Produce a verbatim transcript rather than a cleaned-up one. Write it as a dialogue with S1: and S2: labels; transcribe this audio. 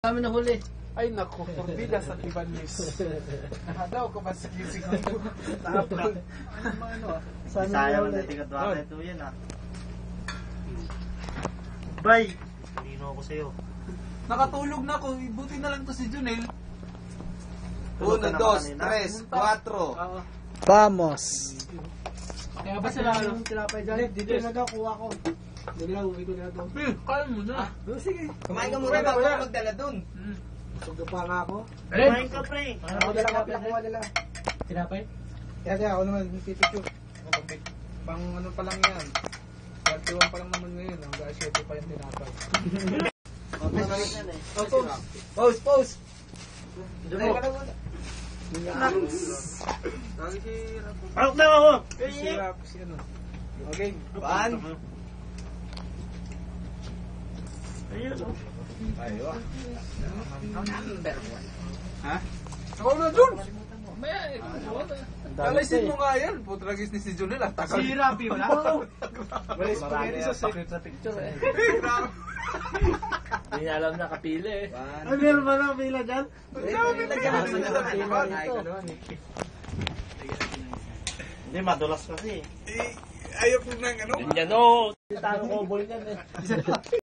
S1: Kami na huli.
S2: Ay nako, forbida sa Tibanis. Nakadaw ko ba sa kisig ko? Tapos, ano mga ano ah?
S3: Sayang na tigat baka ito yan ah. Bay! Lino ako sa'yo.
S2: Nakatulog na ako, buti na lang to si Junel.
S3: Tulog
S2: Uno,
S3: ka
S2: dos,
S3: naman kanina.
S2: tres, cuatro.
S4: Vamos!
S1: Kaya ba sila ano?
S4: Tinapay dyan? Dito na daw, kuha ko. Dito na, uwi ko na daw.
S2: Eh, kaya mo na.
S4: Sige.
S2: Kumain ka muna bago ka magdala dun.
S4: Busog pa nga ako.
S3: Kumain ka pre!
S4: Ako dala, ako dala, dala.
S1: Tinapay?
S4: Kaya kaya ako naman, pipicture.
S2: Pang ano pa lang yan. thirty-one pa lang naman ngayon. Hanggang seven pa yung tinapay.
S4: Oh, pose! Pose, pose!
S2: Junel ka lang muna.
S3: Out na ako!
S2: Sirap si ano. Okay, one.
S3: Ayun o.
S2: Ayaw ah. Number one. Ha? Ako na dun! Alisin mo nga yan. Putragis ni si Junel ah. Takal.
S1: Si Rapi wala?
S4: Wala spaghetti sa secret sa picture eh.
S1: Hindi niya alam na kapili eh.
S4: Ay, meron ba na pila dyan?
S3: Hindi, madulas kasi.
S2: Ayaw ko nang ano.
S1: Yan o!
S4: Tanong ko ball yan eh.